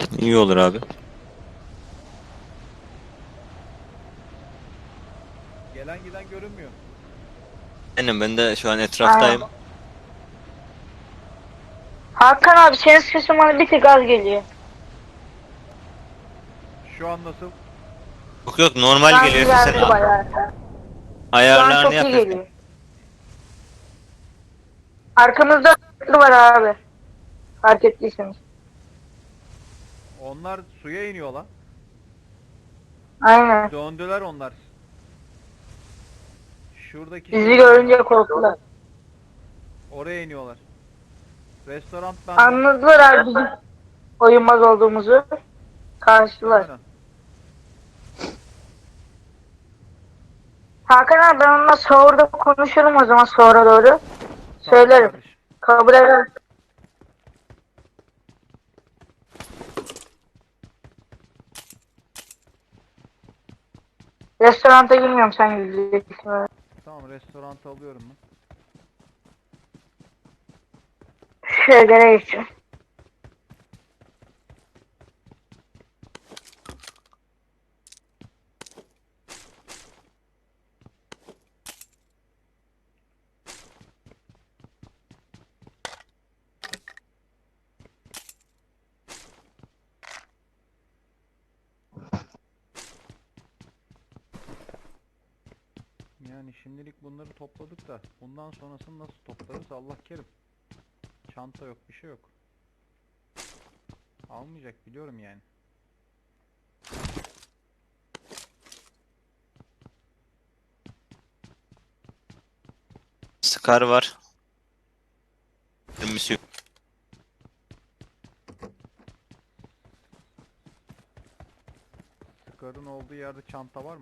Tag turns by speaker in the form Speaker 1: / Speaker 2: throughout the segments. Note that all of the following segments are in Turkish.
Speaker 1: İyi olur abi.
Speaker 2: Gelen giden görünmüyor.
Speaker 1: Aynen ben de şu an
Speaker 3: Aynen.
Speaker 1: etraftayım.
Speaker 3: Hakan abi senin sesin bana bir tık az geliyor.
Speaker 2: Şu an nasıl?
Speaker 1: Yok yok
Speaker 3: Şu
Speaker 1: normal
Speaker 3: an
Speaker 1: geliyor. Sen
Speaker 3: geldi bayağı. Şu an
Speaker 1: ayarlarını
Speaker 3: çok iyi
Speaker 1: yap Efe.
Speaker 3: geliyor. Arkamızda var abi. Fark ettiyseniz.
Speaker 2: Onlar suya iniyor lan.
Speaker 3: Aynen.
Speaker 2: Döndüler onlar. Şuradaki
Speaker 3: Bizi
Speaker 2: şeye
Speaker 3: görünce
Speaker 2: iniyorlar.
Speaker 3: korktular.
Speaker 2: Oraya iniyorlar. Restoran bende.
Speaker 3: Anladılar abi bizim oyunmaz olduğumuzu. Karşılar.
Speaker 2: Aynen.
Speaker 3: Hakan abi ben onunla sahurda konuşurum o zaman sonra doğru.
Speaker 2: Tamam
Speaker 3: Söylerim.
Speaker 2: kardeşim.
Speaker 3: Kabul eder. Restoranta girmiyorum sen gideceksin.
Speaker 2: Tamam restoranta alıyorum ben.
Speaker 3: Şöyle geçiyorum.
Speaker 2: Yani şimdilik bunları topladık da bundan sonrasını nasıl toplarız Allah kerim. Çanta yok bir şey yok. Almayacak biliyorum yani.
Speaker 1: Scar var. Mermisi yok.
Speaker 2: Scar'ın olduğu yerde çanta var mı?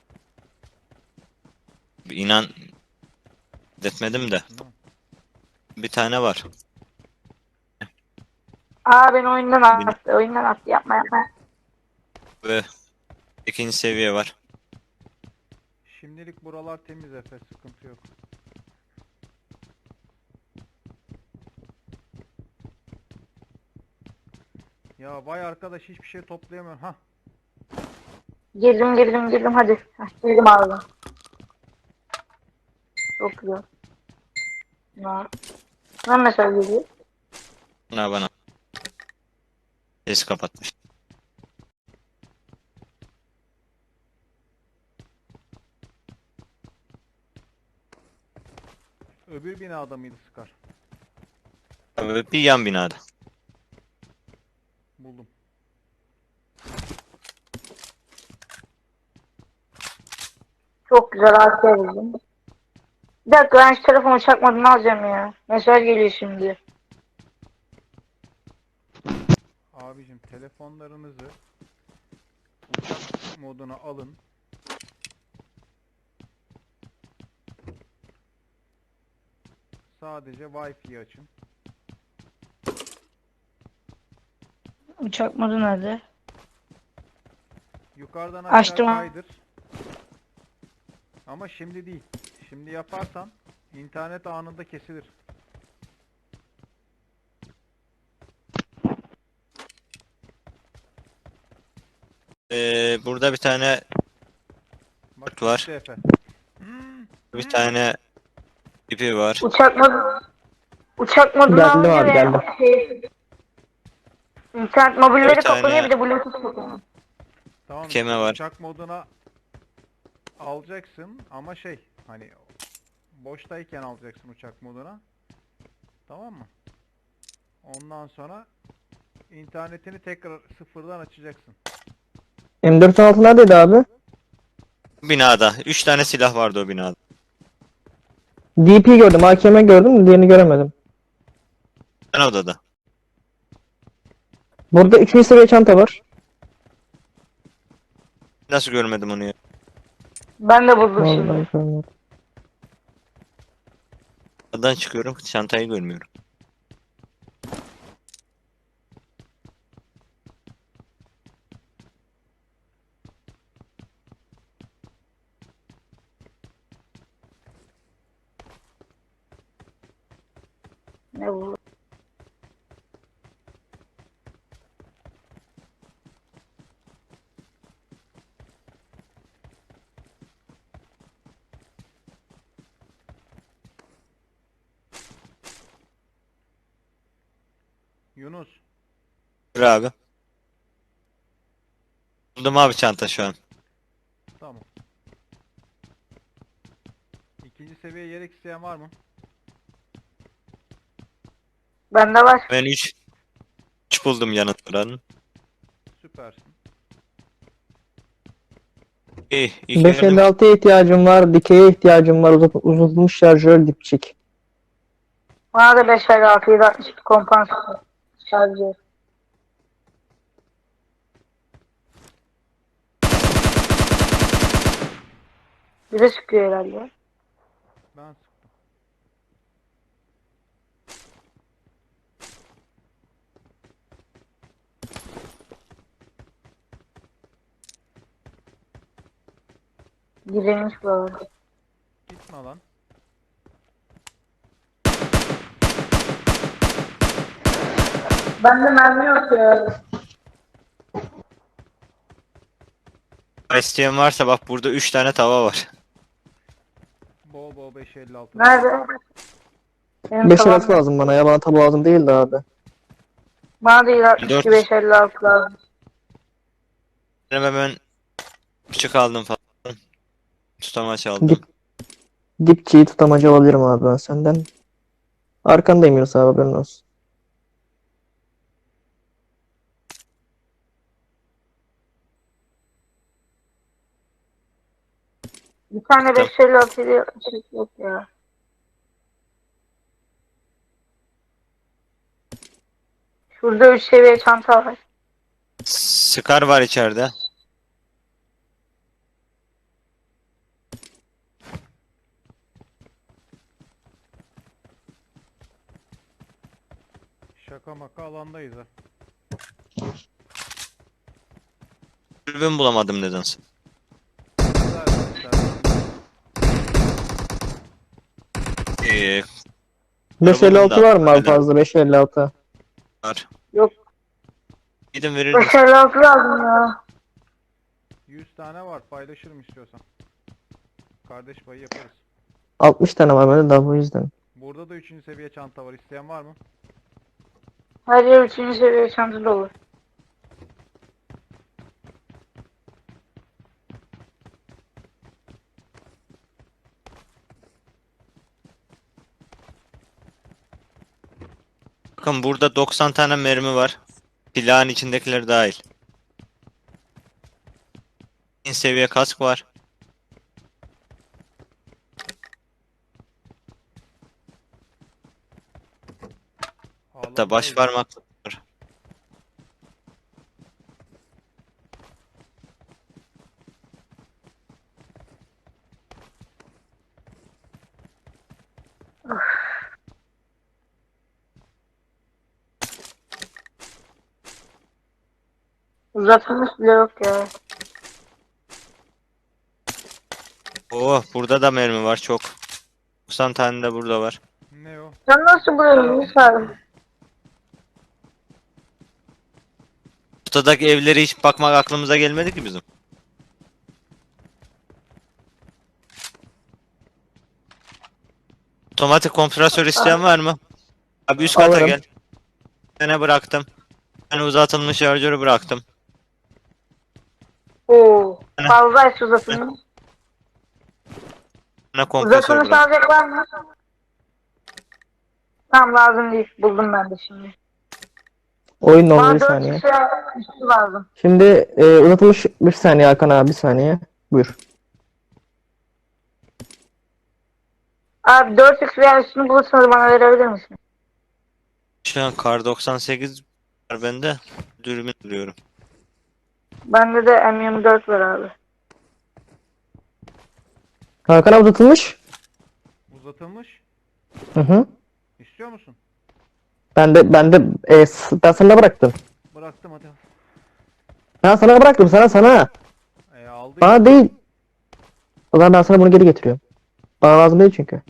Speaker 1: İnan etmedim de.
Speaker 2: Hı.
Speaker 1: Bir tane var.
Speaker 3: Aa beni oyundan
Speaker 1: Bir-
Speaker 3: attı. Oyundan attı. Yapma yapma.
Speaker 1: Ve ikinci seviye var.
Speaker 2: Şimdilik buralar temiz Efe sıkıntı yok. Ya vay arkadaş hiçbir şey toplayamıyorum. Hah.
Speaker 3: Girdim hadi. Heh, girdim abi. Çok güzel. Ya. Ne mesaj geliyor?
Speaker 1: Bana. Ses kapatmış.
Speaker 2: Öbür binada mıydı Scar?
Speaker 1: Bir yan binada.
Speaker 2: Buldum.
Speaker 3: Çok güzel arkaya buldum. Bir dakika ben şu telefonu çakmadan alacağım ya. Mesaj geliyor şimdi.
Speaker 2: Abicim telefonlarınızı uçak moduna alın. Sadece Wi-Fi açın.
Speaker 3: Uçak modu nerede?
Speaker 2: Yukarıdan aşağı
Speaker 3: Açtım.
Speaker 2: kaydır. Ama şimdi değil. Şimdi yaparsan internet anında kesilir.
Speaker 1: Burada bir tane
Speaker 2: Bak
Speaker 1: var.
Speaker 2: gitti Efe.
Speaker 1: Bir tane ipi var.
Speaker 3: Uçak modunu
Speaker 4: Geldim
Speaker 3: alınca
Speaker 4: abi
Speaker 3: ve
Speaker 4: geldim.
Speaker 3: internet
Speaker 1: Bir
Speaker 3: mobilleri kapanıyor
Speaker 1: tane
Speaker 3: bir de bluetooth kapanıyor.
Speaker 2: Tamam işte
Speaker 1: keme var.
Speaker 2: uçak moduna alacaksın ama şey hani boştayken alacaksın uçak moduna. Tamam mı? Ondan sonra internetini tekrar sıfırdan açacaksın.
Speaker 4: M416 neredeydi abi?
Speaker 1: Binada. 3 tane silah vardı o binada.
Speaker 4: DP gördüm, AKM gördüm de diğerini göremedim.
Speaker 1: Ben odada.
Speaker 4: Burada 3. seviye çanta var.
Speaker 1: Nasıl görmedim onu ya?
Speaker 3: Ben de buldum
Speaker 4: Vallahi
Speaker 3: şimdi.
Speaker 4: görmedim.
Speaker 1: Odadan çıkıyorum. Çantayı görmüyorum.
Speaker 3: Ne bu?
Speaker 2: Yunus.
Speaker 1: Dur abi. Buldum abi çanta şu an.
Speaker 2: Tamam. İkinci seviye yelek isteyen var mı?
Speaker 3: Bende var.
Speaker 1: Ben 3 buldum yanıt buranın.
Speaker 2: Süpersin.
Speaker 1: İyi. İlk yardım
Speaker 4: 556'ya ihtiyacım var. Dikeye ihtiyacım var. Uzatılmış şarjör dipçik.
Speaker 3: Bana da 556 762 kompansatör şarjı. Bir de sıkıyor herhalde.
Speaker 2: Ben sıktım.
Speaker 3: Gizlenmiş buralarda.
Speaker 2: Gitme lan.
Speaker 3: Bende mermi yok ya.
Speaker 1: isteyen varsa bak burada 3 tane tava var.
Speaker 2: Bol bol 556.
Speaker 3: Nerede? Benim
Speaker 4: 556
Speaker 3: tavam.
Speaker 4: lazım bana ya. Bana tabu lazım değil de abi.
Speaker 3: Bana da 762
Speaker 1: Dört.
Speaker 3: 556 lazım.
Speaker 1: Benim hemen küçük aldım falan. Tutamaç aldım.
Speaker 4: Dip, dipçiyi tutamacı alabilirim abi ben senden. Arkandayım Yunus abi, haberin olsun.
Speaker 3: Bir tane
Speaker 1: Tamam.
Speaker 3: 556 ile yok ya. Şurada 3 seviye çanta var.
Speaker 1: Scar var içeride.
Speaker 2: Şaka maka alandayız ha.
Speaker 1: Dürbün bulamadım nedense.
Speaker 2: Güzel, güzel.
Speaker 1: İyi.
Speaker 4: 556 var mı abi
Speaker 1: Neden?
Speaker 4: fazla? 556.
Speaker 1: Var.
Speaker 3: Yok.
Speaker 1: Gidin verir misin?
Speaker 3: 556 lazım ya.
Speaker 2: 100 tane var. Paylaşırım istiyorsan. Kardeş payı yaparız.
Speaker 4: 60 tane var bende daha, bu yüzden.
Speaker 2: Burada da 3. seviye çanta var. İsteyen var mı?
Speaker 3: Her yer 3. seviye çanta dolu.
Speaker 1: Bakın burada 90 tane mermi var. Silahın içindekiler dahil. En seviye kask var. Hatta baş
Speaker 2: Alandayız.
Speaker 1: parmak var.
Speaker 3: Uzatılmış bile yok ya.
Speaker 1: Oo, burada da mermi var çok. 90 tane de burada var.
Speaker 2: Ne o?
Speaker 3: Sen nasıl buluyorsun Yunus abi?
Speaker 1: Ortadaki evlere hiç bakmak aklımıza gelmedi ki bizim. Otomatik kompresör isteyen var mı? Abi üst kata
Speaker 4: Alırım.
Speaker 1: gel. Bir bıraktım. Ben uzatılmış şarjörü bıraktım.
Speaker 3: Oo.
Speaker 1: Hani?
Speaker 3: Fazlaysa uzatılmış.
Speaker 1: Ne kompresör
Speaker 3: Uzatılmış
Speaker 1: bırak.
Speaker 3: alacak var mı? Tamam lazım değil. Buldum ben de şimdi.
Speaker 4: Oyun oldu
Speaker 3: Bana
Speaker 4: bir
Speaker 3: 4
Speaker 4: saniye.
Speaker 3: kişi üstü lazım.
Speaker 4: Şimdi uzatılmış bir saniye Hakan abi, bir saniye. Buyur.
Speaker 3: Abi 4x veya üstünü bulursanız bana verebilir misin?
Speaker 1: Şu an kar 98 var bende. Dürbün duruyorum.
Speaker 3: Bende de M24 var abi.
Speaker 4: Hakan abi uzatılmış.
Speaker 2: Uzatılmış.
Speaker 4: Hı hı.
Speaker 2: İstiyor musun?
Speaker 4: Ben sana bıraktım.
Speaker 2: Bıraktım hadi.
Speaker 4: Ben sana bıraktım, sana.
Speaker 2: Aldı.
Speaker 4: Bana değil. O zaman ben sana bunu geri getiriyorum. Bana lazım değil çünkü.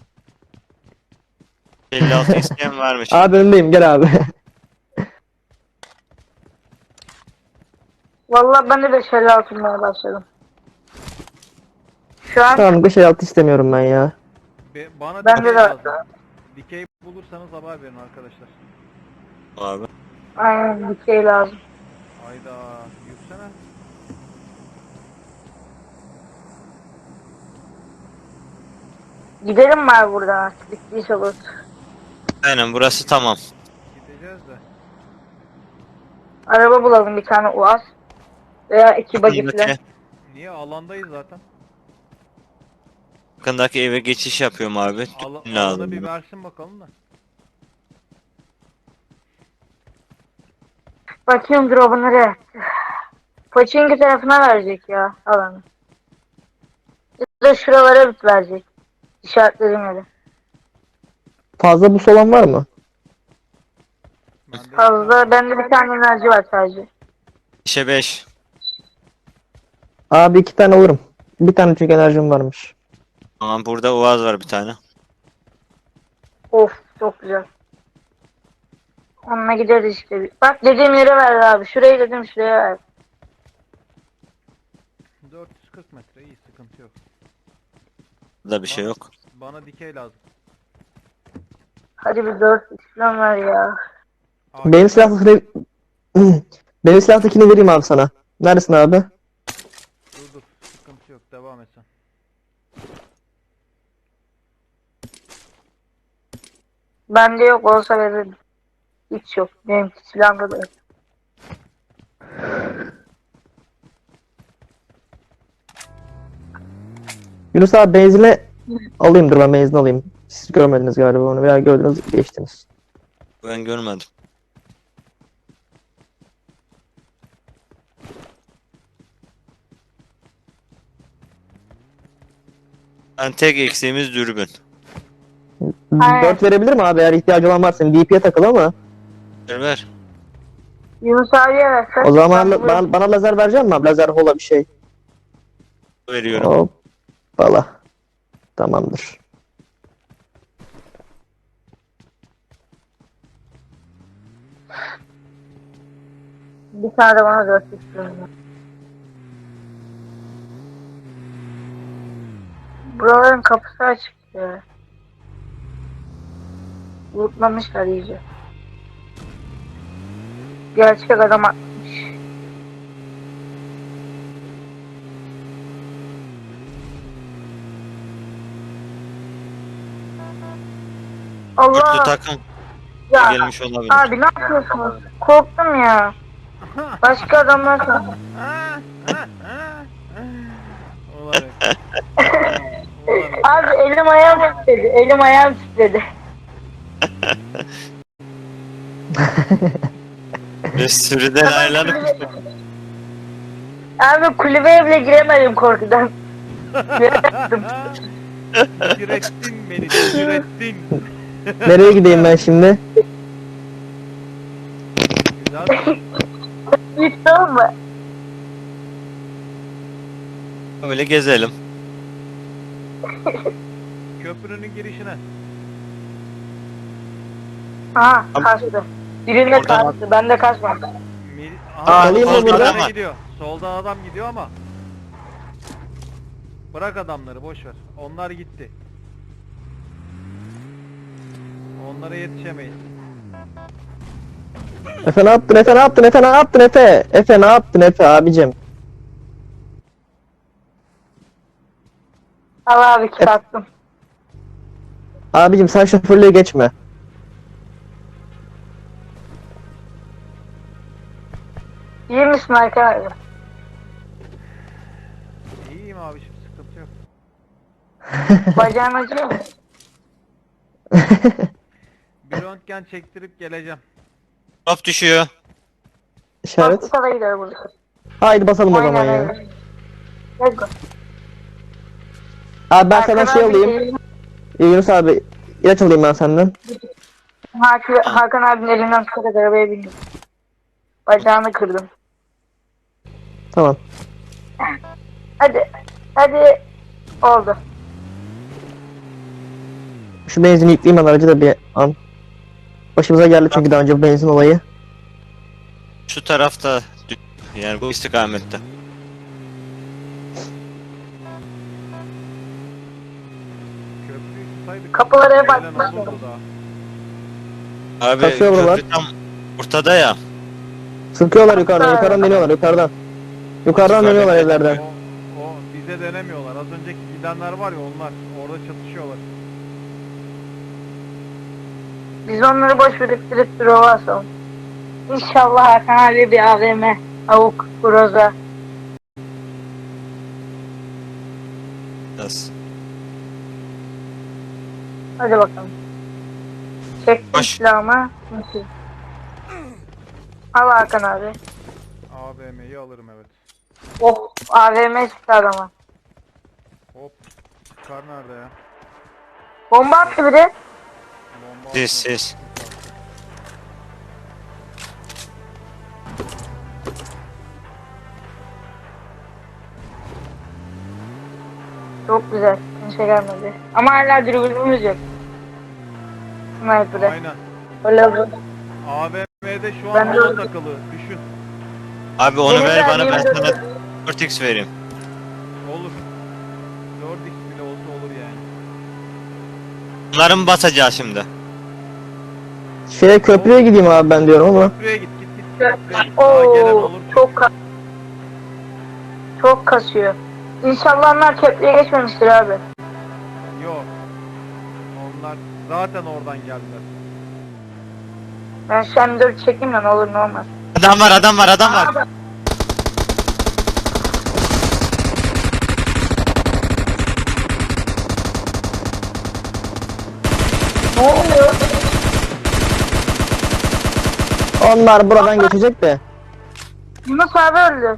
Speaker 1: 56 isteyen varmış.
Speaker 4: Abi önündeyim, gel abi.
Speaker 3: Vallahi ben de 556 bulmaya başladım. Şu an
Speaker 4: Tamam, 556 istemiyorum ben ya.
Speaker 2: Bana
Speaker 3: bende
Speaker 2: dikey
Speaker 3: de
Speaker 2: lazım. Dikey bulursanız haber verin arkadaşlar.
Speaker 1: Abi.
Speaker 3: Aynen dikey lazım.
Speaker 2: Hayda. Yüksene.
Speaker 3: Gidelim mi abi buradan artık? Bittiyse olur.
Speaker 1: Aynen burası tamam.
Speaker 2: Gideceğiz de.
Speaker 3: Araba bulalım bir tane UAZ. Veya iki buggy falan.
Speaker 1: Yakındaki,
Speaker 2: Niye? Alandayız zaten.
Speaker 1: yakındaki eve geçiş yapıyorum abi. Dürbün
Speaker 2: Alanı
Speaker 1: lazım
Speaker 2: bir
Speaker 1: bana.
Speaker 2: versin bakalım da.
Speaker 3: Bakıyorum drop'u nereye? Pochinki tarafına verecek ya alanı. Ya da şuralara bit verecek. İşaretlediğim yere.
Speaker 4: Fazla bus olan var mı?
Speaker 2: Bende iki
Speaker 3: Fazla
Speaker 2: tane var.
Speaker 3: bende bir tane enerji var sadece.
Speaker 1: 5'e 5.
Speaker 4: Abi 2 tane alırım. Bir tane çünkü enerjim varmış.
Speaker 1: Tamam burada Uaz var bir tane.
Speaker 3: Of çok güzel. Onunla gideriz işte. Bak dediğim yere ver abi. Şurayı dedim şuraya ver.
Speaker 2: 440 metre iyi, sıkıntı yok.
Speaker 1: Burada bir şey yok.
Speaker 2: Bana dikey lazım.
Speaker 3: Hadi bir 4 falan ver ya.
Speaker 4: Benim silahtakini... Benim silahtakini vereyim abi sana. Neredesin abi?
Speaker 2: Dur, sıkıntı yok, devam et sen.
Speaker 3: Bende yok olsa veririm. Hiç yok. Benim silahımda da yok.
Speaker 4: Yunus abi benzine alayım, dur ben benzin alayım. Siz görmediniz galiba onu, veya gördünüz geçtiniz.
Speaker 1: Ben görmedim. Ben tek eksiğimiz dürbün.
Speaker 3: Aynen.
Speaker 4: 4 verebilir mi abi, eğer ihtiyacı olan varsa? DP'ye takıl ama.
Speaker 1: Ver.
Speaker 3: Yunus abiye versen.
Speaker 4: O zaman
Speaker 3: ben bulurum.
Speaker 4: bana lazer verecek misin abi? Lazer hola bir şey.
Speaker 1: Veriyorum.
Speaker 4: Hoppala. Tamamdır.
Speaker 3: Bir tane de bana 4 istiyorum. Buraların kapısı açık ya. Lootlamışlar iyice. Gerçek adam atmış.
Speaker 1: Dörtlü
Speaker 3: Allah
Speaker 1: takım
Speaker 3: ya
Speaker 1: gelmiş olabilir.
Speaker 3: abi ne yapıyorsunuz? Korktum ya. Başka adamlar sandım.
Speaker 2: Olarak. Olarak.
Speaker 3: Abi elim ayağım titredi. Elim ayağım titredi.
Speaker 1: Ve sürüden ayrılanıp
Speaker 3: Abi kulübeye bile giremedim korkudan. Giremedim.
Speaker 2: Direttin beni, direttin.
Speaker 4: Nereye gideyim ben şimdi?
Speaker 2: Güzel.
Speaker 3: Hiç tamam mı?
Speaker 1: böyle gezelim.
Speaker 2: Köprünün girişine.
Speaker 3: Aha kaçtı. Birinde
Speaker 1: Oradan-
Speaker 3: kaçtı. Bende kaçmadı.
Speaker 4: alayım mı
Speaker 2: soldan
Speaker 4: buradan?
Speaker 2: adam gidiyor. Soldan adam gidiyor ama. Bırak adamları, boş ver. Onlar gitti. Onlara yetişemeyiz.
Speaker 4: Efe ne yaptın, Efe ne yaptın, Efe ne yaptın, Efe? Efe ne yaptın, Efe abicim?
Speaker 3: Al abi kit attım.
Speaker 4: Abicim sen şoförlüğe geçme.
Speaker 3: İyi misin Hakan abi?
Speaker 2: İyiyim abi, şimdi sıkıntı yok.
Speaker 3: Bacağın acıyor mu?
Speaker 2: Bir röntgen çektirip geleceğim.
Speaker 1: Drop düşüyor.
Speaker 4: İşaret.
Speaker 3: Hospitala gidiyor burada.
Speaker 4: Haydi basalım o zaman
Speaker 3: Aynen
Speaker 4: ya.
Speaker 3: öyle. Let's go.
Speaker 4: Abi ben senden
Speaker 3: Hakan
Speaker 4: şey
Speaker 3: abi
Speaker 4: alayım.
Speaker 3: elini-
Speaker 4: Yunus abi ilaç alayım ben senden.
Speaker 3: Hakan abinin elinden tutarak arabaya bindim. Bacağını kırdım.
Speaker 4: Tamam.
Speaker 3: Hadi. Hadi. Oldu.
Speaker 4: Şu benzini yükleyeyim ben aracı da bir an. Başımıza geldi çünkü daha önce bu benzin olayı.
Speaker 1: Şu tarafta yani bu istikamette.
Speaker 2: Köprüyü tutaydık.
Speaker 3: Kapılara hep
Speaker 2: Gelen
Speaker 3: açmışlar.
Speaker 2: olurdu daha.
Speaker 1: Abi
Speaker 4: Kaçıyor buralar?
Speaker 1: köprü tam Ortada ya.
Speaker 4: Sıkıyorlar yukarıdan deniyorlar yukarıdan. Yukarıdan deniyorlar evlerden.
Speaker 2: O bize denemiyorlar. Az önceki gidenler var ya, onlar orada çatışıyorlar.
Speaker 3: Biz onları boş biriktirip drova asalım. İnşallah Hakan abi bir AVM, avuk, groza.
Speaker 1: Biraz.
Speaker 3: Hadi bakalım. Çektim
Speaker 1: Baş.
Speaker 3: silahımı. Nasıl? Al Hakan abi.
Speaker 2: AVM'yi alırım, evet.
Speaker 3: Oh, AVM çıktı adama.
Speaker 2: Hop. Çıkar nerede ya?
Speaker 3: Bomba attı biri.
Speaker 2: Bomba
Speaker 1: Sis
Speaker 2: atma.
Speaker 1: sis.
Speaker 3: Çok güzel. Kimse gelmedi. Ama hala dürbünümüz yok. Sniper'e.
Speaker 2: Aynen.
Speaker 3: Öyle bu.
Speaker 2: AVM'de şu
Speaker 3: Ben
Speaker 2: an
Speaker 3: de
Speaker 2: ona
Speaker 3: öyle.
Speaker 2: takılı. Düşün.
Speaker 1: Abi onu
Speaker 3: Benim
Speaker 1: ver bana, ben
Speaker 3: verdiğim
Speaker 1: sana
Speaker 3: de-
Speaker 1: 4x vereyim.
Speaker 2: Olur. 4x bile olsa olur yani.
Speaker 1: Bunları mı basacağız şimdi?
Speaker 4: Şeye köprüye gideyim abi ben diyorum ama.
Speaker 2: Köprüye git git git. Köprüye git. Daha gelen
Speaker 3: Oo,
Speaker 2: olur.
Speaker 3: çok kasıyor. İnşallah onlar köprüye geçmemiştir abi.
Speaker 2: Yok. Onlar zaten oradan geldiler.
Speaker 3: Ben şu an 4 çekeyim de ne olur ne olmaz.
Speaker 1: Adam var, adam var, adam var.
Speaker 3: Ne oluyor?
Speaker 4: Onlar buradan geçecek de.
Speaker 3: Yunus abi öldü.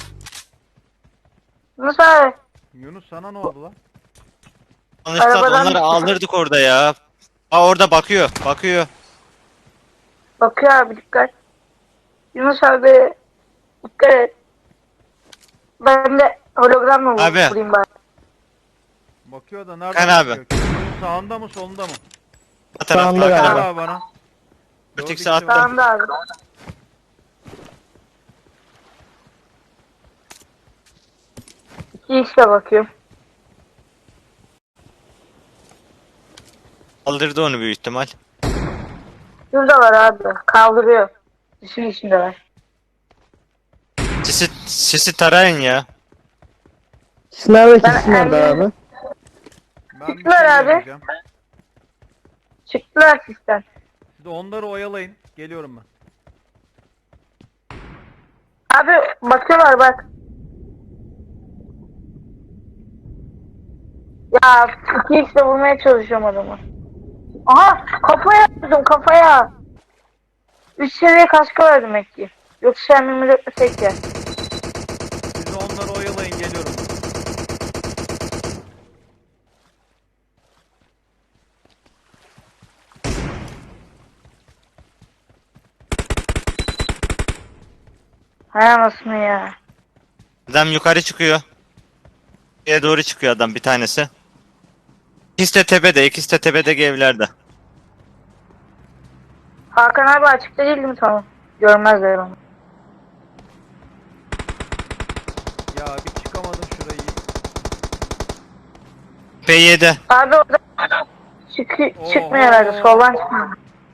Speaker 3: Yunus abi.
Speaker 2: Yunus sana ne oldu lan?
Speaker 1: Konuşsak
Speaker 3: Arabadan
Speaker 1: onları
Speaker 3: düştü.
Speaker 1: aldırdık orada ya. Aa orada bakıyor, bakıyor.
Speaker 3: Bakıyor abi, dikkat. Yunus abi dikkat et. Ben de hologramla
Speaker 1: Abi.
Speaker 3: vurayım bari.
Speaker 2: Bakıyor da nereden
Speaker 1: Kan abi.
Speaker 2: bakıyor? Sağında mı solunda mı?
Speaker 1: Bu tarafta.
Speaker 4: Sağında
Speaker 1: Hakan
Speaker 4: galiba.
Speaker 1: abi.
Speaker 2: Abi bana.
Speaker 1: 4x attım.
Speaker 3: Sağında abi. İki işe bakıyorum.
Speaker 1: Aldırdı onu büyük ihtimal.
Speaker 3: Şuradalar abi. Kaldırıyor. Düşün içindeler.
Speaker 1: Sisi tarayın ya.
Speaker 4: Siz nerede
Speaker 3: Ben-
Speaker 4: siz nerede abi?
Speaker 2: Ben bir
Speaker 3: Çıktılar
Speaker 2: şey
Speaker 3: abi.
Speaker 2: deneyeceğim.
Speaker 3: Çıktılar sistem.
Speaker 2: Siz de onları oyalayın. Geliyorum ben.
Speaker 3: Abi bakıyorlar bak. Ya iki işle vurmaya çalışıyorum adamı. Aha, kafaya vurdum, kafaya. 3 seviye kaskı var demek ki. Yoksa sen 24'le tek ya.
Speaker 2: Siz de onları oyalayın, geliyorum.
Speaker 3: Hay anasını ya.
Speaker 1: Adam yukarı çıkıyor. Şeye doğru çıkıyor adam bir tanesi. İkisi de tepede, ikisi de tepedeki evlerde.
Speaker 3: Hakan abi açıkta değildi mi, tamam. Görmezler onu.
Speaker 2: Ya bir çıkamadım şurayı.
Speaker 1: P7.
Speaker 3: Abi orada çıkmıyor herhalde, soldan çıkmıyor.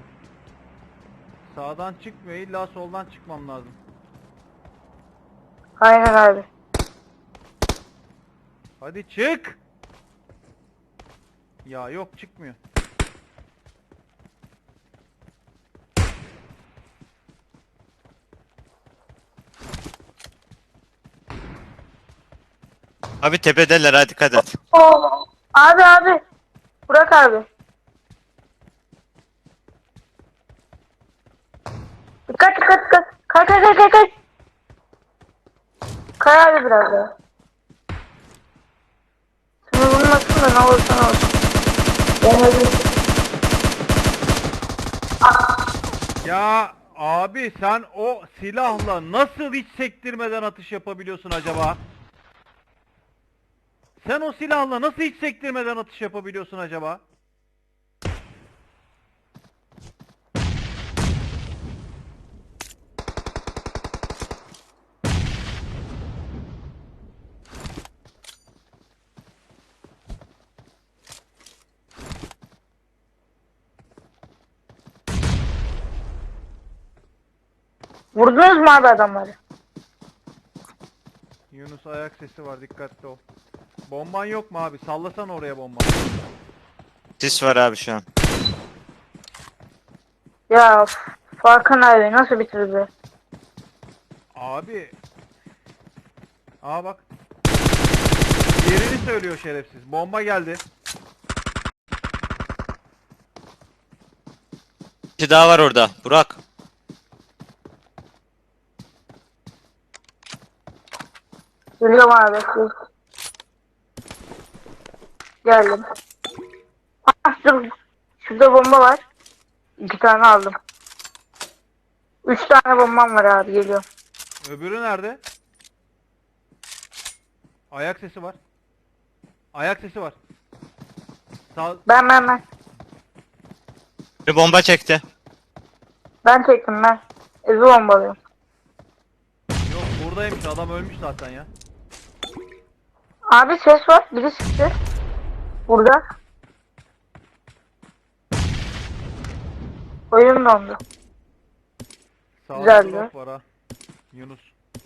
Speaker 2: Sağdan çıkmıyor, illa soldan çıkmam lazım.
Speaker 3: Aynen abi.
Speaker 2: Hadi çık. Ya yok, çıkmıyor.
Speaker 1: Abi tepedeler, hadi dikkat et.
Speaker 3: Oo. Abi. Burak abi. Dikkat. Kay. Kay abi biraz daha. Seni vurmasın da ne olursa ne olsun. Ben öldüm.
Speaker 2: Ya abi, sen o silahla nasıl hiç sektirmeden atış yapabiliyorsun acaba? Sen o silahla nasıl hiç sektirmeden atış yapabiliyorsun acaba?
Speaker 3: Vurdunuz mu abi adamları?
Speaker 2: Yunus ayak sesi var, dikkatli ol. Bomban yok mu abi? Sallasan oraya bomba.
Speaker 1: Sis var abi şu an.
Speaker 3: Ya Farkan abi nasıl bitirdi?
Speaker 2: Abi. Aa bak. Yerini söylüyor şerefsiz. Bomba geldi.
Speaker 1: Bir kişi daha var orada. Burak.
Speaker 3: Geliyorum abi. Geldim. Ah, dur. Şurada bomba var. 2 tane aldım. 3 tane bombam var abi, geliyorum.
Speaker 2: Öbürü nerede? Ayak sesi var. Ayak sesi var. Sağ...
Speaker 3: Ben.
Speaker 1: Bir bomba çekti.
Speaker 3: Ben çektim ben. Evi bombalıyorum.
Speaker 2: Yok buradaymış, adam ölmüş zaten ya.
Speaker 3: Abi ses var. Biri çıktı. Burada. Oyun dondu.
Speaker 2: Sağda
Speaker 3: Güzeldi.
Speaker 2: drop var ha. Yunus.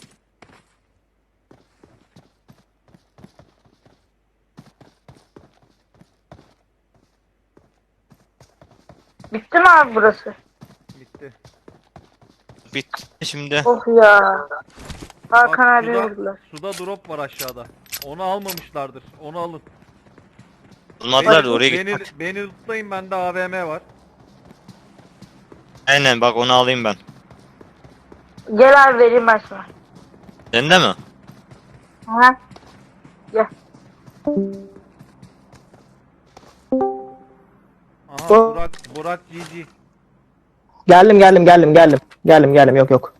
Speaker 3: Bitti mi abi burası?
Speaker 2: Bitti.
Speaker 1: Bitti şimdi.
Speaker 3: Of ya. Hakan
Speaker 2: Bak,
Speaker 3: abi vurdular.
Speaker 2: suda drop var aşağıda. Onu almamışlardır. Onu alın.
Speaker 1: Olmadılar da oraya gitmek.
Speaker 2: Beni lootlayın, bende AVM var.
Speaker 1: Aynen bak onu alayım ben.
Speaker 3: Gel abi vereyim ben sana.
Speaker 1: Sende mi?
Speaker 3: Ha? Gel.
Speaker 2: Aha
Speaker 4: Bu-
Speaker 2: Burak GG.
Speaker 4: Geldim. Yok.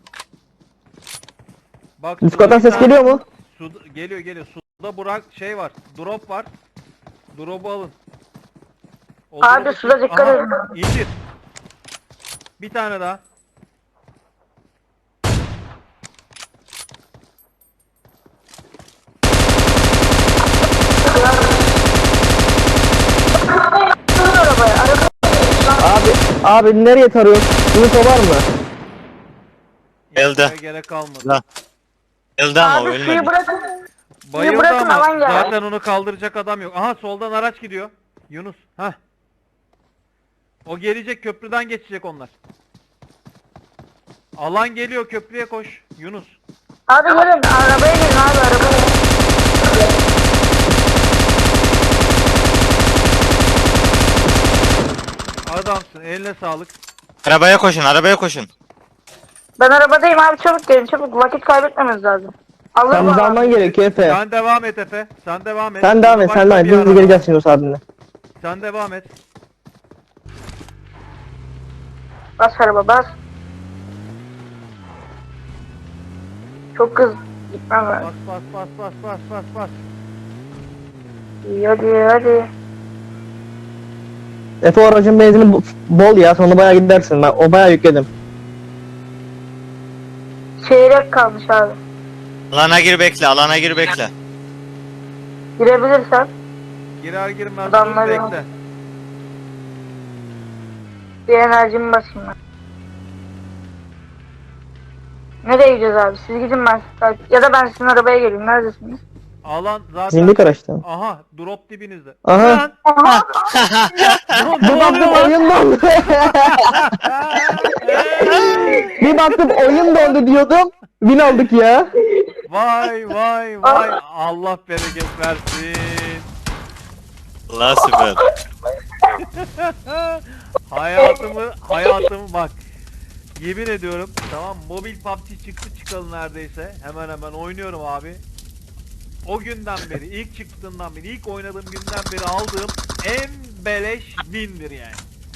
Speaker 2: Bak
Speaker 4: Discord'dan
Speaker 2: suda bir
Speaker 4: ses
Speaker 2: tane-
Speaker 4: geliyor mu?
Speaker 2: Geliyor. Suda Burak şey var. Drop var. Drop'u alın. O
Speaker 3: Abi
Speaker 2: drop'u
Speaker 3: suda
Speaker 2: çek-
Speaker 3: dikkat
Speaker 2: Aha,
Speaker 3: edin.
Speaker 2: İndir. Bir tane daha.
Speaker 3: Dur arabaya.
Speaker 4: Abi nereye tarıyorsun? Yunus o var mı?
Speaker 2: İndirmeye
Speaker 1: Elde.
Speaker 2: gerek kalmadı.
Speaker 1: La. Elde ama
Speaker 3: Abi suyu
Speaker 1: ölmedi.
Speaker 3: bırakın.
Speaker 2: Bayıldı
Speaker 3: bırakın,
Speaker 2: ama
Speaker 3: alan geldi.
Speaker 2: zaten onu kaldıracak adam yok. Aha soldan araç gidiyor. Yunus. Hah. O gelecek, köprüden geçecek onlar. Alan geliyor, köprüye koş. Yunus.
Speaker 3: Abi gelin arabaya gelin abi arabaya.
Speaker 2: Adamsın, eline sağlık.
Speaker 1: Arabaya koşun.
Speaker 3: Ben arabadayım abi, çabuk gelin çabuk, vakit kaybetmemiz lazım.
Speaker 4: Sen
Speaker 3: Alırım
Speaker 4: bizi
Speaker 3: abi.
Speaker 4: alman gerekiyor Efe.
Speaker 2: Sen devam et Efe. Sen devam et.
Speaker 4: Sen devam et.
Speaker 2: Başka
Speaker 4: Sen devam et.
Speaker 2: bir
Speaker 4: Biz
Speaker 2: araba.
Speaker 4: geleceğiz Yunus abimle.
Speaker 2: Sen devam et.
Speaker 3: Bas araba bas. Çok hızlı gitmem lazım.
Speaker 2: Bas.
Speaker 3: İyi, hadi.
Speaker 4: Efe o aracın benzini bol ya. Sonra bayağı gidersin. Ben o bayağı yükledim.
Speaker 3: Çeyrek kalmış abi.
Speaker 1: Alana gir bekle.
Speaker 3: Girebilirsen.
Speaker 2: Girer girmez dur
Speaker 3: Adamlar
Speaker 2: bekle.
Speaker 3: Bir enerjimi basayım ben. Nereye gideceğiz abi? Siz gidin, ben ya da ben sizin arabaya geleyim. Neredesiniz?
Speaker 2: Alan zaten...
Speaker 4: Zindik araçta.
Speaker 2: Aha drop dibinizde.
Speaker 4: Aha.
Speaker 2: Lan!
Speaker 3: Aha.
Speaker 2: Drop
Speaker 4: Bir baktım oyun dondu. Bir baktım oyun dondu diyordum. Win aldık ya.
Speaker 2: Vay. Allah bereket versin.
Speaker 1: Allah süper.
Speaker 2: Hayatımı bak. Yemin ediyorum, tamam, mobil PUBG çıktı çıkalı neredeyse. Hemen oynuyorum abi. O günden beri, ilk çıktığından beri, ilk oynadığım günden beri aldığım en beleş win'dir yani.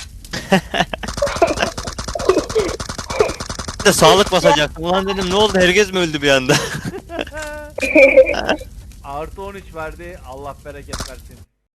Speaker 1: Bir de sağlık basacaktım. Ulan dedim ne oldu, herkes mi öldü bir anda?
Speaker 2: Artı 13 verdi. Allah bereket versin.